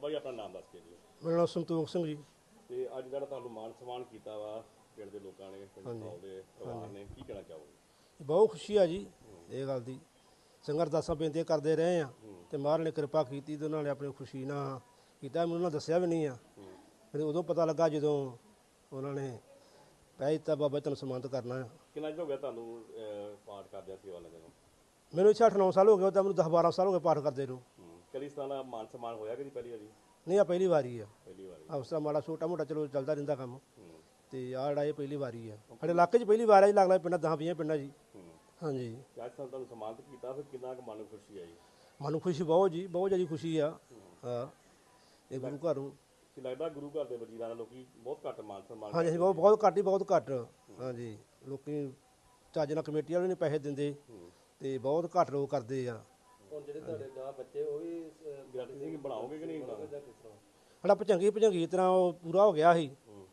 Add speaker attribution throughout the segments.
Speaker 1: ਬਾਬਾ ਜੀ ਆਪਣਾ ਨਾਮ ਦੱਸ ਕੇ ਜੀ।
Speaker 2: ਮੇਰਾ ਨਾਮ ਸੰਤੋਖ ਸਿੰਘ ਜੀ।
Speaker 1: ਤੇ ਅੱਜ ਜਿਹੜਾ ਤੁਹਾਨੂੰ ਮਾਨ ਸਨਮਾਨ ਕੀਤਾ ਵਾ ਪਿੰਡ ਦੇ ਲੋਕਾਂ ਨੇ, ਪਿੰਡ ਦੇ ਪਰਿਵਾਰ ਨੇ, ਕੀ ਕਹਿਣਾ ਚਾਹੋਗੇ?
Speaker 2: ਬਹੁਤ ਖੁਸ਼ੀ ਆ ਜੀ ਇਹ ਗੱਲ ਦੀ। ਸੰਗਤ ਅਰਦਾਸਾਂ ਬੇਨਤੀਆਂ ਕਰਦੇ ਰਹੇ ਆ ਤੇ ਮਹਾਰਾਜ ਨੇ ਕਿਰਪਾ ਕੀਤੀ ਤੇ ਉਹਨਾਂ ਨੇ ਆਪਣੀ ਖੁਸ਼ੀ ਨਾਲ ਕੀਤਾ। ਮੈਨੂੰ ਉਹਨਾਂ ਦੱਸਿਆ ਵੀ ਨਹੀਂ ਆ, ਮੈਨੂੰ ਉਦੋਂ ਪਤਾ ਲੱਗਾ ਜਦੋਂ ਉਹਨਾਂ ਨੇ ਕਹਿ ਦਿੱਤਾ ਬਾਬਾ ਤੈਨੂੰ ਸਨਮਾਨਿਤ ਕਰਨਾ ਆ।
Speaker 1: ਕਿੰਨਾ ਚਿਰ ਹੋ ਗਿਆ ਤੁਹਾਨੂੰ ਪਾਠ ਕਰਦਿਆਂ ਸੇਵਾ ਲੱਗਣ ਨੂੰ?
Speaker 2: ਮੈਨੂੰ ਇੱਥੇ 8-9 ਸਾਲ ਹੋ ਗਏ, ਤਾਂ ਮੈਨੂੰ 10-12 ਸਾਲ ਹੋ ਗਏ ਪਾਠ ਕਰਦੇ ਨੂੰ।
Speaker 1: ਕਦੀ ਇਸ ਤਰ੍ਹਾਂ ਦਾ ਮਾਨ ਸਨਮਾਨ ਹੋਇਆ ਕਿ ਨਹੀਂ ਪਹਿਲੀ ਵਾਰੀ?
Speaker 2: ਨਹੀਂ, ਆ ਪਹਿਲੀ ਵਾਰੀ ਆ।
Speaker 1: ਪਹਿਲੀ ਵਾਰੀ।
Speaker 2: ਉਸ ਤਰ੍ਹਾਂ ਮਾੜਾ ਛੋਟਾ ਮੋਟਾ ਚਲੋ ਚੱਲਦਾ ਰਹਿੰਦਾ ਕੰਮ, ਤੇ ਆਹ ਜਿਹੜਾ ਇਹ ਪਹਿਲੀ ਵਾਰੀ ਆ ਸਾਡੇ ਇਲਾਕੇ 'ਚ। ਪਹਿਲੀ ਵਾਰ ਆ ਜੀ, ਲੱਗਦਾ ਪਿੰਡਾਂ 10-20 ਪਿੰਡਾਂ ਜੀ। ਹਾਂਜੀ,
Speaker 1: ਅੱਜ ਤੁਹਾਨੂੰ ਸਨਮਾਨਿਤ ਕੀਤਾ, ਫਿਰ ਕਿੰਨਾ ਕੁ ਮਨ ਨੂੰ ਖੁਸ਼ੀ ਆਈ?
Speaker 2: ਮਨ ਨੂੰ ਖੁਸ਼ੀ ਬਹੁਤ ਜੀ, ਬਹੁਤ ਜ਼ਿਆਦਾ ਖੁਸ਼ੀ ਆ। ਹਾਂ, ਇਹ ਗੁਰੂ ਘਰ ਨੂੰ
Speaker 1: ਕੀ ਲੱਗਦਾ ਗੁਰੂ ਘਰ ਦੇ ਵਜ਼ੀਰਾਂ ਦਾ ਲੋਕੀ ਬਹੁਤ ਘੱਟ ਮਾਨ ਸਨਮਾਨ?
Speaker 2: ਹਾਂਜੀ, ਬਹੁਤ ਘੱਟ ਹੀ, ਬਹੁਤ ਘੱਟ। ਹਾਂਜੀ, ਲੋਕੀ ਚੱਜ ਨਾਲ ਕਮੇਟੀ ਵਾਲੇ ਨੇ ਪੈਸੇ ਦਿੰਦੇ ਤੇ ਬਹੁਤ ਘੱਟ ਲੋਕ ਕਰਦੇ ਆ।
Speaker 3: ਹੁਣ ਜਿਹੜੇ ਤੁਹਾਡੇ ਗਾਂ ਬੱਚੇ ਉਹ ਵੀ
Speaker 1: ਗ੍ਰੰਥੀ ਸਿੰਘ ਬਣਾਓਗੇ ਕਿ ਨਹੀਂ ਬਣਾਓਗੇ?
Speaker 2: ਸਾਡਾ ਭਜੰਗੀ ਤਰ੍ਹਾਂ ਉਹ ਪੂਰਾ ਹੋ ਗਿਆ ਸੀ,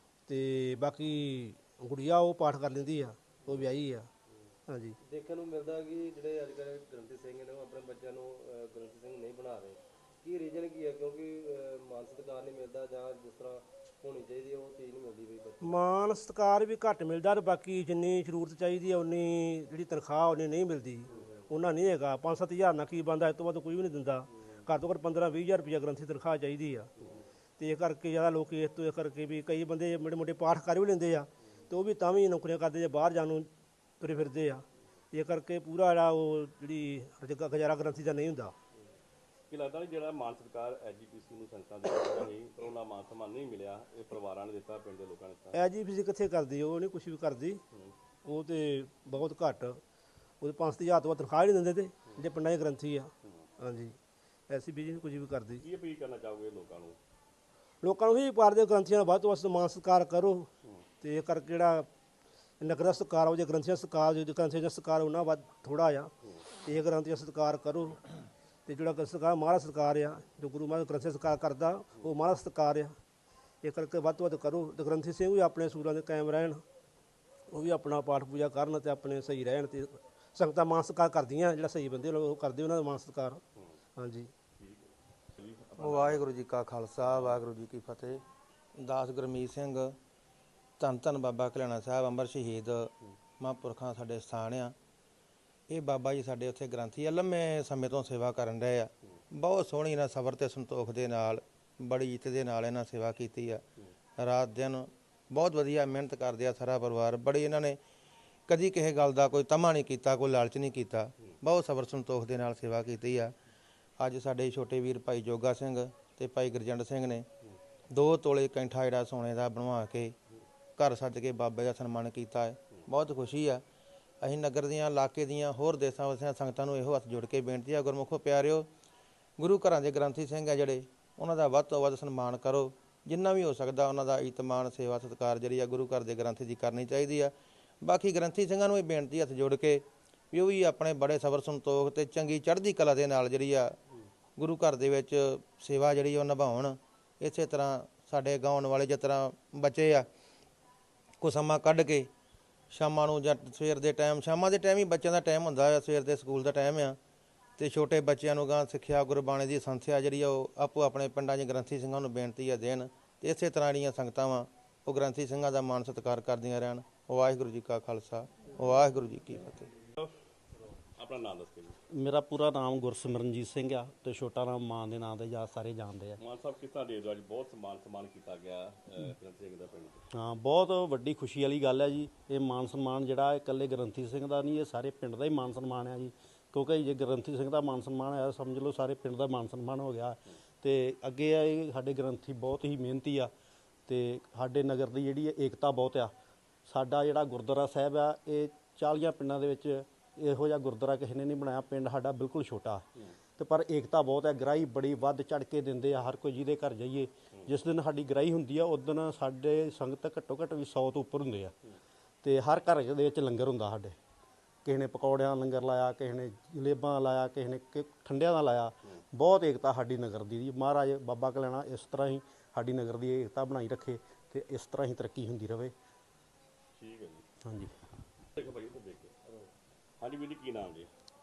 Speaker 2: ਤੇ ਬਾਕੀ ਗੁੜੀਆ ਉਹ ਪਾਠ ਕਰ ਲੈਂਦੀ ਆ, ਉਹ ਵਿਆਹੀ ਆ। ਹਾਂਜੀ,
Speaker 3: ਦੇਖਣ ਨੂੰ ਮਿਲਦਾ ਕਿ ਜਿਹੜੇ ਅੱਜ ਕੱਲ੍ਹ ਗ੍ਰੰਥੀ ਸਿੰਘ ਨੇ ਉਹ ਆਪਣੇ ਬੱਚਿਆਂ ਨੂੰ ਗ੍ਰੰਥੀ ਸਿੰਘ ਨਹੀਂ ਬਣਾ ਰਹੇ। ਕੀ ਰੀਜ਼ਨ ਕੀ ਹੈ? ਕਿਉਂਕਿ ਮਾਨ ਸਤਿਕਾਰ ਨਹੀਂ ਮਿਲਦਾ, ਜਾਂ ਜਿਸ ਤਰ੍ਹਾਂ ਹੋਣੀ ਚਾਹੀਦੀ ਉਹ ਚੀਜ਼ ਨਹੀਂ ਮਿਲਦੀ ਬਈ ਬੱਚੇ।
Speaker 2: ਮਾਨ ਸਤਿਕਾਰ ਵੀ ਘੱਟ ਮਿਲਦਾ, ਤੇ ਬਾਕੀ ਜਿੰਨੀ ਜ਼ਰੂਰਤ ਚਾਹੀਦੀ ਆ ਉਨੀ ਜਿਹੜੀ ਤਨਖਾਹ ਉਹਨੇ ਨਹੀਂ ਮਿਲਦੀ। ਉਹਨਾਂ ਨਹੀਂ ਹੈਗਾ 5-7 ਹਜ਼ਾਰ ਨਾਲ ਕੀ ਬਣਦਾ, ਇਸ ਤੋਂ ਵੱਧ ਕੋਈ ਵੀ ਨਹੀਂ ਦਿੰਦਾ। ਘੱਟ ਤੋਂ ਘੱਟ 15-20 ਹਜ਼ਾਰ ਰੁਪਈਆ ਗ੍ਰੰਥੀ ਤਨਖਾਹ ਚਾਹੀਦੀ ਆ। ਤੇ ਇਹ ਕਰਕੇ ਜ਼ਿਆਦਾ ਲੋਕ ਇਸ ਤੋਂ ਇਹ ਕਰਕੇ ਵੀ ਕਈ ਬੰਦੇ ਮੋਟੇ ਮੋਟੇ ਪਾਠ ਕਰ ਵੀ ਲੈਂਦੇ ਆ, ਤੇ ਉਹ ਵੀ ਤਾਂ ਵੀ ਨੌਕਰੀਆਂ ਕਰਦੇ ਜੇ ਬਾਹਰ ਜਾਣ ਨੂੰ ਤੁਰੇ ਫਿਰਦੇ ਆ। ਇਹ ਕਰਕੇ ਪੂਰਾ ਜਿਹੜਾ ਉਹ ਜਿਹੜੀ ਗੁਜ਼ਾਰਾ ਗ੍ਰੰਥੀ ਦਾ ਨਹੀਂ ਹੁੰਦਾ।
Speaker 1: ਕੀ ਲੱਗਦਾ ਨਹੀਂ ਜਿਹੜਾ ਮਾਨ ਸਤਿਕਾਰ ਐਜੀਪੀਸੀ ਨੂੰ ਸੰਗਤਾਂ ਦੇ ਦਿੱਤਾ ਸੀ, ਪਰ ਉਹਨਾਂ ਮਾਨ ਸਨਮਾਨ ਨਹੀਂ ਮਿਲਿਆ, ਇਹ ਪਰਿਵਾਰਾਂ ਨੇ ਦਿੱਤਾ, ਪਿੰਡ ਦੇ ਲੋਕਾਂ ਨੇ ਦਿੱਤਾ?
Speaker 2: ਐਜੀਪੀਸੀ ਕਿੱਥੇ ਕਰਦੀ? ਉਹ ਨਹੀਂ ਕੁਛ ਵੀ ਕਰਦੀ। ਉਹ ਤੇ ਬਹੁਤ ਘੱਟ, ਉਹਦੇ 5 ਹਜ਼ਾਰ ਤੋਂ ਵੱਧ ਤਨਖਾਹ ਨਹੀਂ ਦਿੰਦੇ ਤੇ ਜਿਹੜੇ ਪਿੰਡਾਂ 'ਚ ਗ੍ਰੰਥੀ ਆ। ਹਾਂਜੀ, ਐਸੀ ਬੀਜੀ ਨਹੀਂ ਕੁਝ ਵੀ ਕਰਦੀ।
Speaker 1: ਕੀ ਅਪੀਲ ਕਰਨਾ ਚਾਹੋਗੇ ਲੋਕਾਂ ਨੂੰ?
Speaker 2: ਲੋਕਾਂ ਨੂੰ ਵੀ ਪਾਰਦੇ ਗ੍ਰੰਥੀਆਂ ਦਾ ਵੱਧ ਤੋਂ ਵੱਧ ਮਾਨ ਸਤਿਕਾਰ ਕਰੋ, ਤੇ ਇਹ ਕਰਕੇ ਜਿਹੜਾ ਨਗਰ ਦਾ ਸਤਿਕਾਰ ਹੋ ਜੇ ਗ੍ਰੰਥੀਆਂ ਸਤਿਕਾਰ, ਜੋ ਗ੍ਰੰਥੀਆਂ ਦਾ ਸਤਿਕਾਰ ਉਹਨਾਂ ਵੱਧ ਥੋੜ੍ਹਾ ਆ। ਤੇ ਇਹ ਗ੍ਰੰਥੀਆਂ ਸਤਿਕਾਰ ਕਰੋ, ਤੇ ਜਿਹੜਾ ਸਤਿਕਾਰ ਮਹਾਰਾਜ ਸਤਿਕਾਰ ਆ, ਜੋ ਗੁਰੂ ਮਹਾਰਾਜ ਗ੍ਰੰਥੀ ਸਤਿਕਾਰ ਕਰਦਾ ਉਹ ਮਹਾਰਾਜ ਸਤਿਕਾਰ ਆ। ਇਹ ਕਰਕੇ ਵੱਧ ਤੋਂ ਵੱਧ ਕਰੋ, ਤੇ ਗ੍ਰੰਥੀ ਸਿੰਘ ਵੀ ਆਪਣੇ ਸੂਰਾਂ ਦੇ ਕਾਇਮ ਰਹਿਣ, ਉਹ ਵੀ ਆਪਣਾ ਪਾਠ ਪੂਜਾ ਕਰਨ ਤੇ ਆਪਣੇ ਸਹੀ ਰਹਿਣ, ਤੇ ਸੰਗਤਾਂ ਮਾਨ ਸਤਿਕਾਰ ਕਰਦੀਆਂ। ਜਿਹੜਾ ਸਹੀ ਬੰਦੇ ਉਹ ਕਰਦੇ ਉਹਨਾਂ ਦਾ ਮਾਨ ਸਤਿਕਾਰ। ਹਾਂਜੀ,
Speaker 4: ਵਾਹਿਗੁਰੂ ਜੀ ਕਾ ਖਾਲਸਾ, ਵਾਹਿਗੁਰੂ ਜੀ ਕੀ ਫਤਿਹ। ਦਾਸ ਗੁਰਮੀਤ ਸਿੰਘ, ਧੰਨ ਧੰਨ ਬਾਬਾ ਕਲਿਆਣਾ ਸਾਹਿਬ ਅੰਮ੍ਰਿਤ ਸ਼ਹੀਦ ਮਹਾਂਪੁਰਖਾਂ ਸਾਡੇ ਸਥਾਨ ਆ। ਇਹ ਬਾਬਾ ਜੀ ਸਾਡੇ ਉੱਥੇ ਗ੍ਰੰਥੀ ਆ, ਲੰਮੇ ਸਮੇਂ ਤੋਂ ਸੇਵਾ ਕਰਨ ਰਹੇ ਆ। ਬਹੁਤ ਸੋਹਣੀ ਇਹਨਾਂ ਸਬਰ ਤੇ ਸੰਤੋਖ ਦੇ ਨਾਲ, ਬੜੀ ਇੱਜ਼ਤ ਦੇ ਨਾਲ ਇਹਨਾਂ ਸੇਵਾ ਕੀਤੀ ਆ। ਰਾਤ ਦਿਨ ਬਹੁਤ ਵਧੀਆ ਮਿਹਨਤ ਕਰਦੇ ਆ ਸਾਰਾ ਪਰਿਵਾਰ। ਬੜੀ ਇਹਨਾਂ ਨੇ ਕਦੀ ਕਿਸੇ ਗੱਲ ਦਾ ਕੋਈ ਤਮਾ ਨਹੀਂ ਕੀਤਾ, ਕੋਈ ਲਾਲਚ ਨਹੀਂ ਕੀਤਾ। ਬਹੁਤ ਸਬਰ ਸੰਤੋਖ ਦੇ ਨਾਲ ਸੇਵਾ ਕੀਤੀ ਆ। ਅੱਜ ਸਾਡੇ ਛੋਟੇ ਵੀਰ ਭਾਈ ਜੋਗਾ ਸਿੰਘ ਤੇ ਭਾਈ ਗੁਰਜੰਟ ਸਿੰਘ ਨੇ 2 ਤੋਲੇ ਕੈਂਠਾ ਜਿਹੜਾ ਸੋਨੇ ਦਾ ਬਣਵਾ ਕੇ ਘਰ ਸੱਜ ਕੇ ਬਾਬੇ ਦਾ ਸਨਮਾਨ ਕੀਤਾ ਹੈ। ਬਹੁਤ ਖੁਸ਼ੀ ਆ। ਅਸੀਂ ਨਗਰ ਦੀਆਂ, ਇਲਾਕੇ ਦੀਆਂ, ਹੋਰ ਦੇਸਾਂ ਵਸਿਆਂ ਸੰਗਤਾਂ ਨੂੰ ਇਹੋ ਹੱਥ ਜੋੜ ਕੇ ਬੇਨਤੀ ਆ, ਗੁਰਮੁਖੋ ਪਿਆਰਿਓ, ਗੁਰੂ ਘਰਾਂ ਦੇ ਗ੍ਰੰਥੀ ਸਿੰਘ ਆ ਜਿਹੜੇ, ਉਹਨਾਂ ਦਾ ਵੱਧ ਤੋਂ ਵੱਧ ਸਨਮਾਨ ਕਰੋ। ਜਿੰਨਾ ਵੀ ਹੋ ਸਕਦਾ ਉਹਨਾਂ ਦਾ ਇਤਮਾਨ, ਸੇਵਾ, ਸਤਿਕਾਰ ਜਿਹੜੀ ਆ ਗੁਰੂ ਘਰ ਦੇ ਗ੍ਰੰਥੀ ਦੀ ਕਰਨੀ ਚਾਹੀਦੀ ਆ। ਬਾਕੀ ਗ੍ਰੰਥੀ ਸਿੰਘਾਂ ਨੂੰ ਇਹ ਬੇਨਤੀ ਹੱਥ ਜੋੜ ਕੇ ਵੀ ਉਹ ਵੀ ਆਪਣੇ ਬੜੇ ਸਬਰ ਸੰਤੋਖ ਤੇ ਚੰਗੀ ਚੜ੍ਹਦੀ ਕਲਾ ਦੇ ਨਾਲ ਜਿਹੜੀ ਆ ਗੁਰੂ ਘਰ ਦੇ ਵਿੱਚ ਸੇਵਾ ਜਿਹੜੀ ਉਹ ਨਿਭਾਉਣ। ਇਸੇ ਤਰ੍ਹਾਂ ਸਾਡੇ ਗਾਉਣ ਵਾਲੇ ਜਿਸ ਤਰ੍ਹਾਂ ਬੱਚੇ ਆ, ਕੁਛ ਸਮਾਂ ਕੱਢ ਕੇ ਸ਼ਾਮਾਂ ਨੂੰ ਜਾਂ ਸਵੇਰ ਦੇ ਟਾਈਮ, ਸ਼ਾਮਾਂ ਦੇ ਟਾਈਮ ਹੀ ਬੱਚਿਆਂ ਦਾ ਟਾਈਮ ਹੁੰਦਾ ਆ, ਸਵੇਰ ਦੇ ਸਕੂਲ ਦਾ ਟਾਈਮ ਆ, ਤੇ ਛੋਟੇ ਬੱਚਿਆਂ ਨੂੰ ਗਾਂ ਸਿੱਖਿਆ ਗੁਰਬਾਣੀ ਦੀ ਸੰਥਿਆ ਜਿਹੜੀ ਆ ਉਹ ਆਪੋ ਆਪਣੇ ਪਿੰਡਾਂ 'ਚ ਗ੍ਰੰਥੀ ਸਿੰਘਾਂ ਨੂੰ ਬੇਨਤੀ ਆ ਦੇਣ। ਤੇ ਇਸੇ ਤਰ੍ਹਾਂ ਜਿਹੜੀਆਂ ਸੰਗਤਾਂ ਵਾ ਉਹ ਗ੍ਰੰਥੀ ਸਿੰਘਾਂ ਦਾ ਮਾਣ ਸਤਿਕਾਰ ਕਰਦੀਆਂ ਰਹਿਣ। ਵਾਹਿਗੁਰੂ ਜੀ ਕਾ ਖਾਲਸਾ, ਵਾਹਿਗੁਰੂ ਜੀ ਕੀ ਫਤਿਹ।
Speaker 1: ਆਪਣਾ ਨਾਮ ਦੱਸ ਕੇ ਜੀ।
Speaker 5: ਮੇਰਾ ਪੂਰਾ ਨਾਮ ਗੁਰਸਿਮਰਨਜੀਤ ਸਿੰਘ ਆ, ਤੇ ਛੋਟਾ ਨਾਮ ਮਾਨ ਦੇ ਨਾਂ ਦੇ ਜਾਂ ਸਾਰੇ ਜਾਣਦੇ ਆ।
Speaker 1: ਮਾਨ ਸਾਹਿਬ ਕਿਸ ਤਰ੍ਹਾਂ ਦੇ ਅੱਜ ਬਹੁਤ ਸਨਮਾਨ ਕੀਤਾ ਗਿਆ ਗ੍ਰੰਥੀ ਸਿੰਘ ਦਾ ਪਿੰਡ 'ਚ?
Speaker 5: ਹਾਂ, ਬਹੁਤ ਵੱਡੀ ਖੁਸ਼ੀ ਵਾਲੀ ਗੱਲ ਹੈ ਜੀ। ਇਹ ਮਾਨ ਸਨਮਾਨ ਜਿਹੜਾ ਇਕੱਲੇ ਗ੍ਰੰਥੀ ਸਿੰਘ ਦਾ ਨਹੀਂ, ਇਹ ਸਾਰੇ ਪਿੰਡ ਦਾ ਹੀ ਮਾਨ ਸਨਮਾਨ ਆ ਜੀ। ਕਿਉਂਕਿ ਜੇ ਗ੍ਰੰਥੀ ਸਿੰਘ ਦਾ ਮਾਨ ਸਨਮਾਨ ਹੋਇਆ, ਸਮਝ ਲਓ ਸਾਰੇ ਪਿੰਡ ਦਾ ਮਾਨ ਸਨਮਾਨ ਹੋ ਗਿਆ। ਤੇ ਅੱਗੇ ਆ ਇਹ ਸਾਡੇ ਗ੍ਰੰਥੀ ਬਹੁਤ ਹੀ ਮਿਹਨਤੀ ਆ, ਤੇ ਸਾਡੇ ਨਗਰ ਦੀ ਜਿਹੜੀ ਏਕਤਾ ਬਹੁਤ ਆ। ਸਾਡਾ ਜਿਹੜਾ ਗੁਰਦੁਆਰਾ ਸਾਹਿਬ ਆ, ਇਹ 40 ਪਿੰਡਾਂ ਦੇ ਵਿੱਚ ਇਹੋ ਜਿਹਾ ਗੁਰਦੁਆਰਾ ਕਿਸੇ ਨੇ ਨਹੀਂ ਬਣਾਇਆ। ਪਿੰਡ ਸਾਡਾ ਬਿਲਕੁਲ ਛੋਟਾ, ਤੇ ਪਰ ਏਕਤਾ ਬਹੁਤ ਹੈ। ਗ੍ਰਾਹੀ ਬੜੀ ਵੱਧ ਚੜ੍ਹ ਕੇ ਦਿੰਦੇ ਆ, ਹਰ ਕੋਈ ਜਿਹਦੇ ਘਰ ਜਾਈਏ। ਜਿਸ ਦਿਨ ਸਾਡੀ ਗ੍ਰਾਹੀ ਹੁੰਦੀ ਆ ਉਸ ਦਿਨ ਸਾਡੇ ਸੰਗਤ ਘੱਟੋ ਘੱਟ ਵੀ 100 ਤੋਂ ਉੱਪਰ ਹੁੰਦੇ ਆ, ਤੇ ਹਰ ਘਰ ਦੇ ਵਿੱਚ ਲੰਗਰ ਹੁੰਦਾ ਸਾਡੇ। ਕਿਸੇ ਨੇ ਪਕੌੜਿਆਂ ਦਾ ਲੰਗਰ ਲਾਇਆ, ਕਿਸੇ ਨੇ ਜਲੇਬਾਂ ਲਾਇਆ, ਕਿਸੇ ਨੇ ਠੰਡਿਆਂ ਦਾ ਲਾਇਆ। ਬਹੁਤ ਏਕਤਾ ਸਾਡੀ ਨਗਰ ਦੀ। ਮਹਾਰਾਜ ਬਾਬਾ ਕਲਿਆਣਾ ਇਸ ਤਰ੍ਹਾਂ ਹੀ ਸਾਡੀ ਨਗਰ ਦੀ ਏਕਤਾ ਬਣਾਈ ਰੱਖੇ, ਤੇ ਇਸ ਤਰ੍ਹਾਂ ਹੀ ਤਰੱਕੀ ਹੁੰਦੀ ਰਹੇ।
Speaker 1: ਠੀਕ ਹੈ ਜੀ।
Speaker 5: ਹਾਂਜੀ,
Speaker 1: ਦੇਖੋ ਭਾਈ ਉੱਧਰ ਦੇਖ ਕੇ। ਹਾਂਜੀ ਵੀਰ ਜੀ, ਕੀ ਨਾਮ ਜੀ?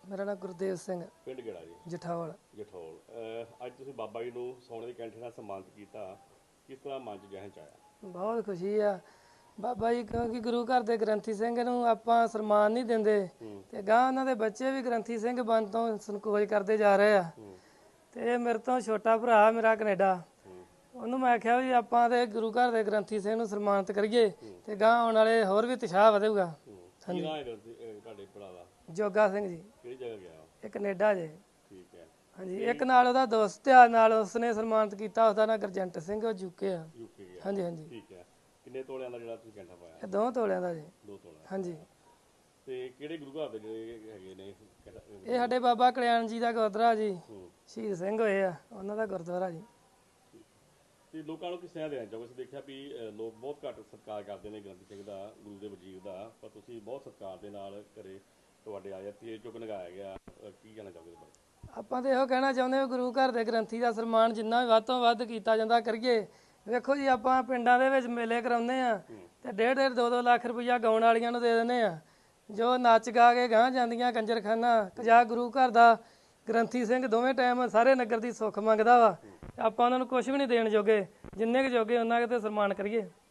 Speaker 6: ਮੇਰਾ ਨਾਮ ਗੁਰਦੇਵ ਸਿੰਘ,
Speaker 1: ਪਿੰਡ ਕਿਹੜਾ ਜੀ?
Speaker 6: ਜਠਾਵਲ।
Speaker 1: ਜਠੌਲ। ਅੱਜ ਤੁਸੀਂ ਬਾਬਾ ਜੀ ਨੂੰ ਸੋਨੇ ਦੀ ਕੈਂਠੇ ਨਾਲ ਸਨਮਾਨਿਤ ਕੀਤਾ, ਕਿਸ ਤਰ੍ਹਾਂ ਮਨ ਚ ਜਹਨ ਚ ਆਇਆ?
Speaker 6: ਬਹੁਤ ਖੁਸ਼ੀ ਆ ਬਾਬਾ ਜੀ, ਕਿਉਂਕਿ ਗੁਰੂ ਘਰ ਦੇ ਗ੍ਰੰਥੀ ਸਿੰਘ ਨੂੰ ਆਪਾਂ ਸਨਮਾਨ ਨਹੀਂ ਦਿੰਦੇ ਤੇ ਗਾਂ ਉਹਨਾਂ ਦੇ ਬੱਚੇ ਵੀ ਗ੍ਰੰਥੀ ਸਿੰਘ ਬਣ ਤੋਂ ਸੰਕੋਚ ਕਰਦੇ ਜਾ ਰਹੇ ਆ। ਤੇ ਇਹ ਮੇਰੇ ਤੋਂ ਛੋਟਾ ਭਰਾ ਮੇਰਾ ਕੈਨੇਡਾ, ਉਹਨੂੰ ਮੈਂ ਆਖਿਆ ਵੀ ਆਪਾਂ ਤੇ ਗੁਰੂ ਘਰ ਦੇ ਗ੍ਰੰਥੀ ਸਿੰਘ ਨੂੰ ਸਨਮਾਨਿਤ ਕਰੀਏ ਤੇ ਗਾਂ ਆਉਣ ਵਾਲੇ ਹੋਰ ਵੀ ਉਤਸ਼ਾਹ ਵਧੇਗਾ।
Speaker 1: ਕੀ ਨਾਂ ਹੈ ਤੁਹਾਡੇ ਭਰਾ ਦਾ?
Speaker 6: ਜੋਗਾ ਸਿੰਘ ਜੀ,
Speaker 1: ਕਿਹੜੀ ਜਗ੍ਹਾ ਗਿਆ?
Speaker 6: ਇਹ ਕੈਨੇਡਾ ਜੇ।
Speaker 1: ਠੀਕ ਹੈ।
Speaker 6: ਹਾਂਜੀ, ਇੱਕ ਨਾਲ ਉਹਦਾ ਦੋਸਤ ਆ, ਨਾਲ ਉਸਨੇ ਸਨਮਾਨਿਤ ਕੀਤਾ, ਉਹਦਾ ਨਾਂ ਗੁਰਜੰਟ ਸਿੰਘ, ਉਹ ਯੂਕੇ ਆ।
Speaker 1: ਯੂਕੇ ਗਿਆ।
Speaker 6: ਹਾਂਜੀ ਹਾਂਜੀ।
Speaker 1: ਠੀਕ ਹੈ। ਕਿੰਨੇ ਤੋਲਿਆਂ ਦਾ ਜਿਹੜਾ ਤੁਸੀਂ ਕੈਂਠਾ ਪਾਇਆ?
Speaker 6: ਇਹ 2 ਤੋਲਿਆਂ ਦਾ ਜੀ।
Speaker 1: 2 ਤੋਲਿਆਂ।
Speaker 6: ਹਾਂਜੀ।
Speaker 1: ਤੇ ਕਿਹੜੇ ਗੁਰੂ ਘਰ ਦੇ ਜਿਹੜੇ ਹੈਗੇ ਨੇ?
Speaker 6: ਇਹ ਸਾਡੇ ਬਾਬਾ ਕਲਿਆਣ ਜੀ ਦਾ ਗੁਰਦੁਆਰਾ ਜੀ, ਸ਼ਹੀਦ ਸਿੰਘ ਹੋਏ ਆ, ਉਹਨਾਂ ਦਾ ਗੁਰਦੁਆਰਾ ਜੀ।
Speaker 1: ਤੇ ਲੋਕਾਂ ਨੂੰ ਕਿਸ ਤਰ੍ਹਾਂ ਦੇਣਾ ਚਾਹੋਗੇ? ਅਸੀਂ ਦੇਖਿਆ ਵੀ ਲੋਕ ਬਹੁਤ ਘੱਟ ਸਤਿਕਾਰ ਕਰਦੇ ਨੇ ਗ੍ਰੰਥੀ ਸਿੰਘ ਦਾ, ਗੁਰੂ ਦੇ ਵਜੀਰ ਦਾ, ਪਰ ਤੁਸੀਂ ਬਹੁਤ ਸਤਿਕਾਰ ਦੇ ਨਾਲ ਘਰੇ ਤੁਹਾਡੇ ਆਇਆ ਤੇਜ ਚੁੱਕ ਲਗਾਇਆ ਗਿਆ, ਕੀ ਕਹਿਣਾ ਚਾਹੋਗੇ ਇਸ ਬਾਰੇ?
Speaker 6: ਆਪਾਂ ਤੇ ਇਹੋ ਕਹਿਣਾ ਚਾਹੁੰਦੇ ਹਾਂ, ਗੁਰੂ ਘਰ ਦੇ ਗ੍ਰੰਥੀ ਦਾ ਸਨਮਾਨ ਜਿੰਨਾ ਵੀ ਵੱਧ ਤੋਂ ਵੱਧ ਕੀਤਾ ਜਾਂਦਾ ਕਰੀਏ। ਵੇਖੋ ਜੀ, ਆਪਾਂ ਪਿੰਡਾਂ ਦੇ ਵਿੱਚ ਮੇਲੇ ਕਰਾਉਂਦੇ ਆ ਤੇ 1.5 2 ਲੱਖ ਰੁਪਈਆ ਗਾਉਣ ਵਾਲੀਆਂ ਨੂੰ ਦੇ ਦਿੰਦੇ ਆ, ਜੋ ਨੱਚ ਗਾ ਕੇ ਗਾਂ ਜਾਂਦੀਆਂ ਕੰਜਰਖਾਨਾ। ਜਾਂ ਗੁਰੂ ਘਰ ਦਾ ਗ੍ਰੰਥੀ ਸਿੰਘ ਦੋਵੇਂ ਟਾਈਮ ਸਾਰੇ ਨਗਰ ਦੀ ਸੁੱਖ ਮੰਗਦਾ ਵਾ, ਆਪਾਂ ਉਹਨਾਂ ਨੂੰ ਕੁਝ ਵੀ ਨਹੀਂ ਦੇਣ ਜੋਗੇ, ਜਿੰਨੇ ਕੁ ਜੋਗੇ ਉਹਨਾਂ ਕੁ ਤੇ ਸਨਮਾਨ ਕਰੀਏ।